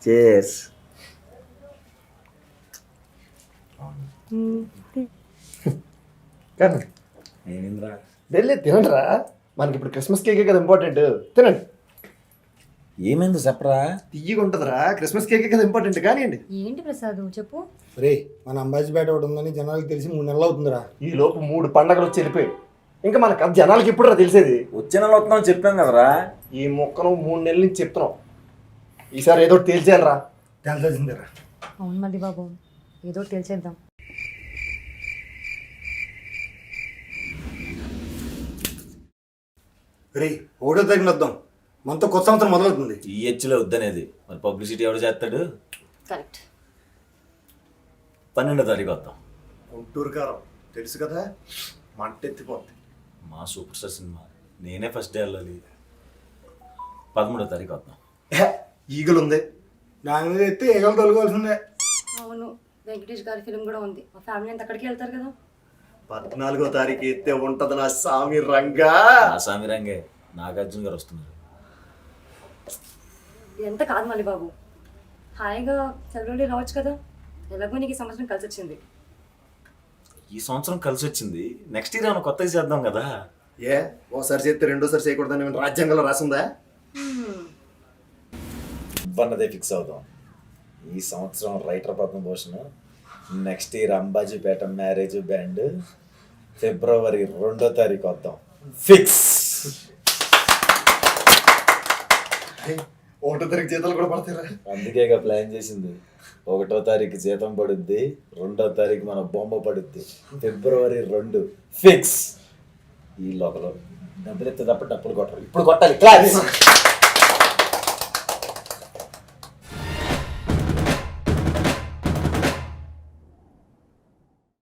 Chairs. నేనేంద్రా వెళ్ళి తినండిరా, మనకి ఇప్పుడు క్రిస్మస్ కేకే కదా ఇంపార్టెంట్. తినండి. ఏమైంది చెప్పరా? తీయగా ఉంటుందిరా, క్రిస్మస్ కేకే కదా ఇంపార్టెంట్. కానివ్వండి. ఏంటి ప్రసాద్ చెప్పు. రే మన అంబాజీపేట ఒకటి ఉందని జనాలకు తెలిసి 3 నెలలు అవుతుందిరా. ఈ లోపు 3 పండగలు వచ్చి వెళ్ళిపోయి ఇంకా మన కథ జనాలకి ఎప్పుడురా తెలిసేది? వచ్చే నెల వస్తున్నావు చెప్పాం కదరా. ఈ మొక్కను 3 నెలల నుంచి చెప్తున్నాం. ఈసారి ఏదో ఒకటి తేల్చేయాలరా. తెలిసిందిరా. అవును మళ్ళీ బాబు, ఏదో ఒకటి తెలిసేద్దాం. రే 1వ తారీఖున వద్దాం, మనతో కొత్త సంవత్సరం మొదలవుతుంది. ఈ హెచ్లో వద్దనేది మరి పబ్లిసిటీ ఎవడు చేస్తాడు? కరెక్ట్. 12వ తారీఖు వద్దాం. గుంటూరు కారం తెలుసు కదా, మంట ఎత్తిపోద్ది. మా సూపర్ స్టార్ సినిమా, నేనే ఫస్ట్ డే వెళ్ళాలి. 13వ తారీఖు వద్దాం. ఈగలు ఉంది. దాని మీద ఎత్తే ఏగలు తొలగాల్సిందే. అవును, వెంకటేష్ గారి ఫిల్మ్ కూడా ఉంది. మా ఫ్యామిలీ అంతా అక్కడికి వెళ్తారు కదా. 14వ తారీఖు ఎత్తే ఉంటది నా సామి రంగా. ఆసామి రంగే నాగార్జున గారు వస్తున్నారు. ఎంత కాదు మళ్ళీ బాబు, హాయిగా సెలవులు రావచ్చు కదా. ఎలాగో నీకు ఈ సంవత్సరం కలిసి వచ్చింది. ఈ సంవత్సరం కలిసి వచ్చింది, నెక్స్ట్ ఇయర్ ఏమైనా కొత్తగా చేద్దాం కదా. ఏ ఓసారి చేస్తే రెండోసారి చేయకూడదని ఏమైనా రాజ్యాంగంలో రాసిందా? అన్నదే ఫిక్స్ అవుదాం. ఈ సంవత్సరం writer Padmabhushan, next year Ambajipeta marriage band, February 2వ తారీఖు వద్దాం. ఫిక్స్. 1వ తారీఖు జీతాలు కూడా పడతారా? అందుకేగా ప్లాన్ చేసింది. 1వ తారీఖు జీతం పడుద్ది, 2వ తారీఖు మన బొమ్మ పడుద్ది. February 2 fix. ఈ లోపల డబ్బులు ఎత్తే తప్ప డబ్బులు కొట్టాలి. ఇప్పుడు కొట్టాలి. క్లాస్.